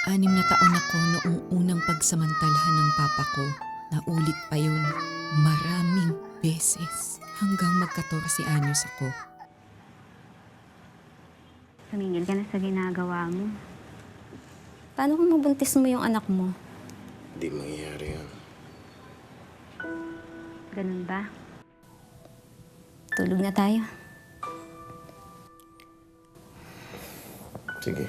6 na taon ako noong unang pagsamantalahan ng papa ko. Naulit pa yun maraming beses hanggang mag-14 anyos ako. Tumingin ka na sa ginagawa mo. Paano kung mabuntis mo yung anak mo? Hindi mangyayari yan. Ganun ba? Tulog na tayo. Sige.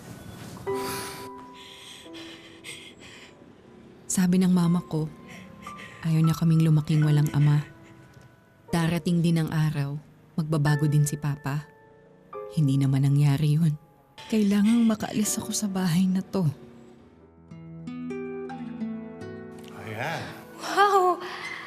Sabi ng mama ko, ayaw niya kaming lumaking walang ama. Darating din ang araw, magbabago din si papa. Hindi naman nangyari yun. Kailangang makaalis ako sa bahay na to. Ayan. Wow!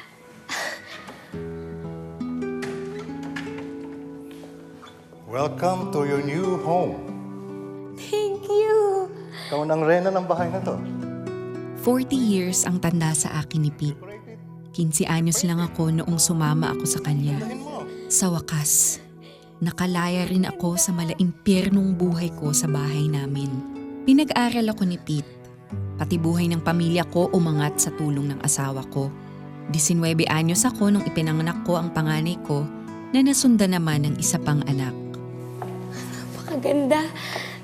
Welcome to your new home. Thank you! Ikaw nang rena ng bahay na to. 40 years ang tanda sa akin ni Pete. 15 anyos lang ako noong sumama ako sa kanya. Sa wakas, nakalaya rin ako sa malaimpyernong buhay ko sa bahay namin. Pinag-aral ako ni Pete. Pati buhay ng pamilya ko umangat sa tulong ng asawa ko. 19 anyos ako nung ipinanganak ko ang panganay ko na nasundan naman ng isa pang anak. Napakaganda!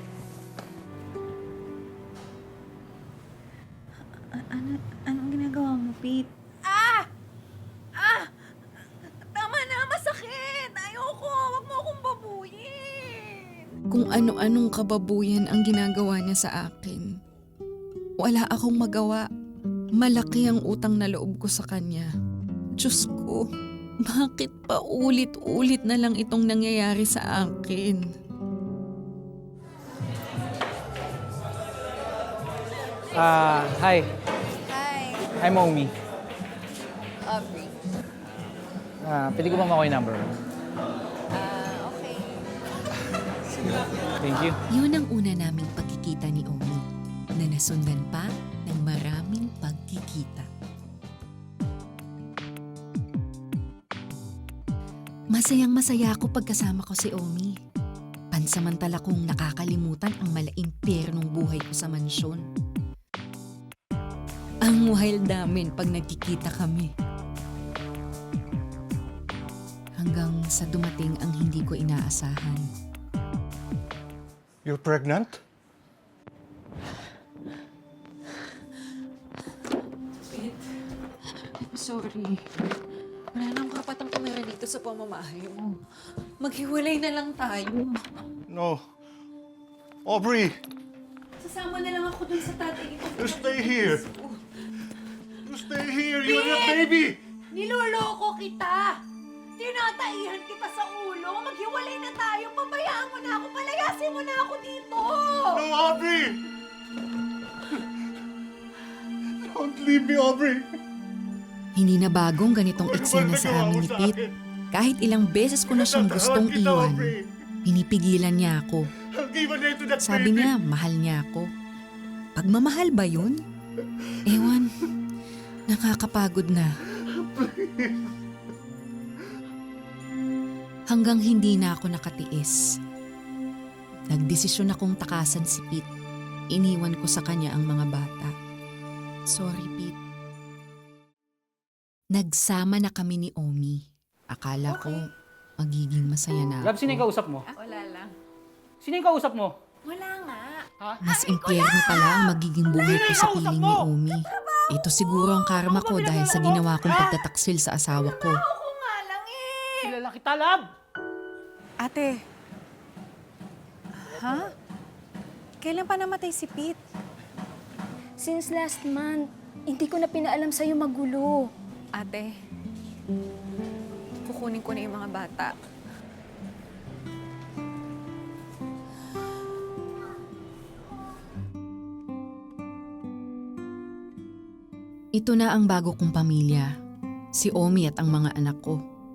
Anong ginagawa mo, Pete? Tama na, masakit! Ayoko! Huwag mo akong babuyin! Kung ano-anong kababuyan ang ginagawa niya sa akin. Wala akong magawa. Malaki ang utang na loob ko sa kanya. Diyos ko, bakit pa ulit-ulit na lang itong nangyayari sa akin? Hi. Hi, Hi, Momi. Aubrey. Pwede ko ba makuha yung number mo? Okay. Thank you. Yun ang una naming pagkikita ni Omi, na nasundan pa ng maraming pagkikita. Masayang-masaya ako pagkasama ko si Omi. Pansamantala kong nakakalimutan ang malaimpyernong buhay ko sa mansyon. Ang wild namin pag nagkikita kami. Hanggang sa dumating ang hindi ko inaasahan. You're pregnant? Sorry. Wala nang kapatang tumira dito sa pamamahay mo. Maghiwalay na lang tayo. No. Aubrey, Sasama na lang ako dun sa tatay ko. you stay here. You stay here. You and your baby. Niloloko kita! Tinataihan kita sa ulo! Maghiwalay na tayo! Pabayaan mo na ako! Palayasin mo na ako dito! No, Aubrey. Don't leave me, Aubrey. Hindi na bagong ganitong eksena sa amin ni Pete. Kahit ilang beses ko na siyang gustong iwan, pinipigilan niya ako. I'll give an end to that Sabi baby. niya, mahal niya ako. Pagmamahal ba yun? Ewan, nakakapagod na. Hanggang hindi na ako nakatiis. Nagdesisyon akong takasan si Pete. Iniwan ko sa kanya ang mga bata. Sorry, Pete. Nagsama na kami ni Omi. Akala ko magiging masaya na Love, sino yung ako. kausap mo? Wala lang. Sino yung kausap mo? Wala nga. Mas impyerno pala ang magiging buhay ko sa piling ni Omi. Ito siguro ang karma ko dahil sa ginawa kong pagtataksil sa asawa ko. Ako nga lang eh! Kilala kita, Love! Ate. Ha? Kailan pa namatay si Pete? Since last month, hindi ko na pinaalam sa'yo magulo. Ate, kukunin ko na yung mga bata. Ito na ang bago kong pamilya. Si Omi at ang mga anak ko.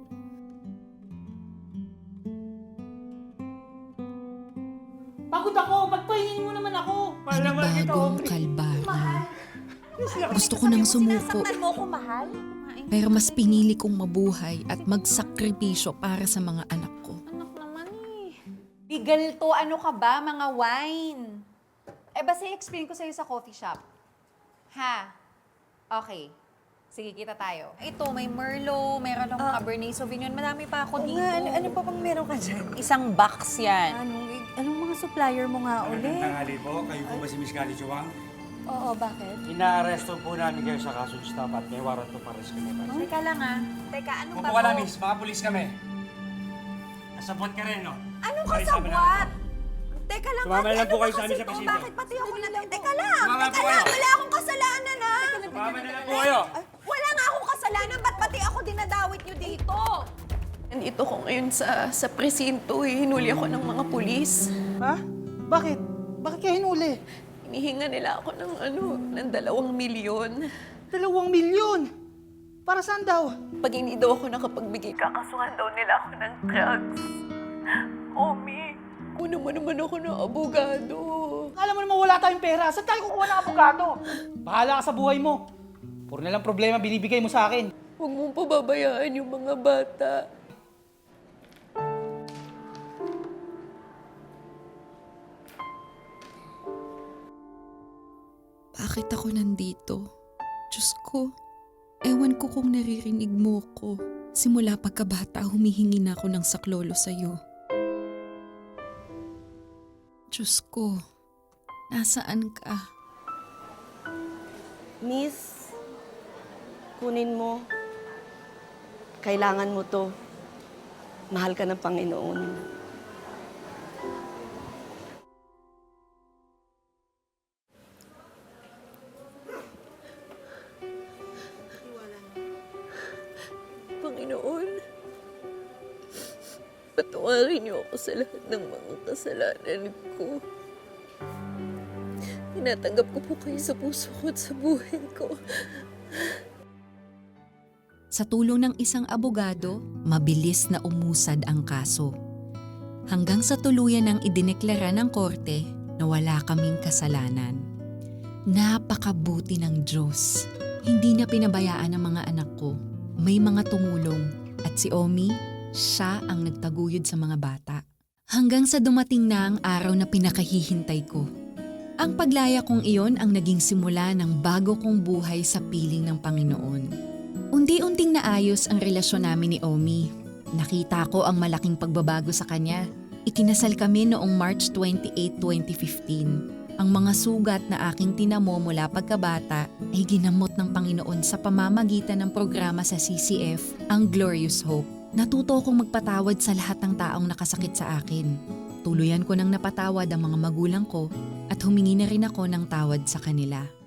Pagod ako! Pagpahingin mo naman ako! Panibagong kalbaryo. Gusto ko nang sumuko. Sinasaktan mo ako, mahal? Pero mas pinili kong mabuhay at magsakripisyo para sa mga anak ko. Anak naman eh. Bigal to, ano ka ba, mga wine? basta i-explain ko sa'yo sa coffee shop. Ha? Okay. Sige, kita tayo. Ito, may Merlot, meron akong Cabernet Sauvignon. Madami pa ako dito. Ano pa bang meron ka dyan? Isang box yan. Anong mga supplier mo nga ulit? Tanghali po, kayo po ba si Miss Gali Chuwang? Oo, bakit? Inaaresto po namin kayo sa kasong stop at may warrant to pares kami. Teka lang Teka, anong Kung wala, Miss, mga pulis kami. Nasabot ka rin, no? Anong Kayo sa amin kasabwat? na- Teka lang, Sumama ate, lang po ano kayo ba sa amin kasi sa to? pasilyo. Bakit pati ako na... Teka lang, Sumama po kayo. wala akong kasalanan Sumama na lang po kayo. Wala nga akong kasalanan, ba't pati ako dinadawit nyo dito? Nandito ko ngayon sa presinto hinuli ako ng mga pulis. Ha? Bakit? Bakit kaya hinuli? Hinihinga nila ako ng 2 milyon. 2 milyon! Para saan daw? Pag hindi daw ako nakapagbigay, kakasuhan daw nila ako ng drugs. Omi, kuno mo naman ako ng abogado. Alam mo naman wala tayong pera. Saan tayo kukuha ng abogado? Bahala ka sa buhay mo. Puro na lang problema binibigay mo sa akin. Huwag mong pababayaan yung mga bata. Bakit ako nandito? Diyos ko, ewan ko kung naririnig mo ko. Simula pagkabata, humihingi na ako ng saklolo sa'yo. Diyos ko, nasaan ka? Miss, kunin mo. Kailangan mo to. Mahal ka ng Panginoon. Panginoon, patawarin niyo ako sa lahat ng mga kasalanan ko. Tinatanggap ko po kayo sa puso ko at sa buhay ko. Sa tulong ng isang abogado, mabilis na umusad ang kaso. Hanggang sa tuluyan ng idineklara ng korte na wala kaming kasalanan. Napakabuti ng Diyos. Hindi na pinabayaan ng mga anak ko. May mga tumulong at si Omi, siya ang nagtaguyod sa mga bata. Hanggang sa dumating na ang araw na pinakahihintay ko. Ang paglaya kong iyon ang naging simula ng bago kong buhay sa piling ng Panginoon. Unti-unting naayos ang relasyon namin ni Omi. Nakita ko ang malaking pagbabago sa kanya. Ikinasal kami noong March 28, 2015. Ang mga sugat na aking tinamo mula pagkabata ay ginamot ng Panginoon sa pamamagitan ng programa sa CCF, ang Glorious Hope. Natuto akong magpatawad sa lahat ng taong nakasakit sa akin. Tuluyan ko nang napatawad ang mga magulang ko at humingi na rin ako ng tawad sa kanila.